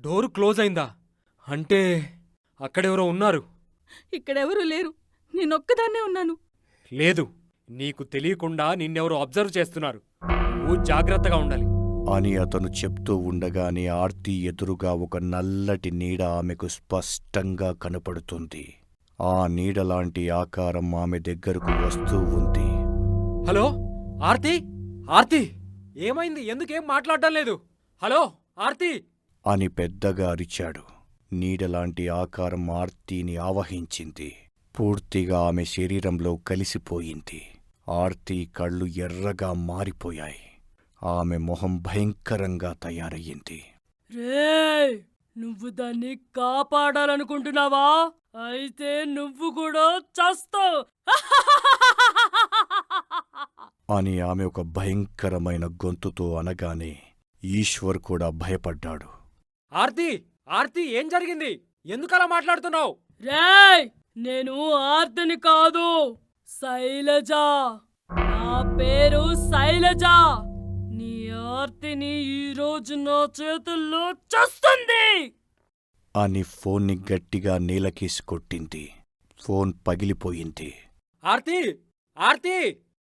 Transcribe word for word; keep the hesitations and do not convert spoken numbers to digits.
Door close అయిందా? అంటే అక్కడెవరో ఉన్నారు. ఇక్కడెవరూ లేరు, నేనొక్కదాన్నే ఉన్నాను. లేదు, నీకు తెలియకుండా నిన్నెవరో అబ్జర్వ్ చేస్తున్నారు. నువ్వు జాగ్రత్తగా ఉండాలి అని అతను చెప్తూ ఉండగానే ఆర్తి ఎదురుగా ఒక నల్లటి నీడ ఆమెకు స్పష్టంగా కనపడుతుంది. ఆ నీడలాంటి ఆకారం ఆమె దగ్గరకు వస్తూ ఉంది. హలో ఆర్తి, ఆర్తి ఏమైంది? ఎందుకేం మాట్లాడటం లేదు? హలో ఆర్తి అని పెద్దగా అరిచాడు. నీడలాంటి ఆకారం ఆర్తిని ఆవహించింది. పూర్తిగా ఆమె శరీరంలో కలిసిపోయింది. ఆర్తి కళ్ళు ఎర్రగా మారిపోయాయి. ఆమె మొహం భయంకరంగా తయారయ్యింది. రేయ్, నువ్వు దాన్ని కాపాడాలనుకుంటున్నావా? అయితే నువ్వు కూడా చస్తావు అని ఆమె ఒక భయంకరమైన గొంతుతో అనగానే ఈశ్వర్ కూడా భయపడ్డాడు. ఆర్తి, ఆర్తి ఏం జరిగింది? ఎందుకలా మాట్లాడుతున్నావు? రేయ్, నేను ఆర్తిని కాదు, శైలజ. నా పేరు శైలజ. నీ ఆర్తిని ఈరోజు నా చేతుల్లో చస్తుంది అని ఫోన్ని గట్టిగా నేలకేసి కొట్టింది. ఫోన్ పగిలిపోయింది. ఆర్తి, ఆర్తి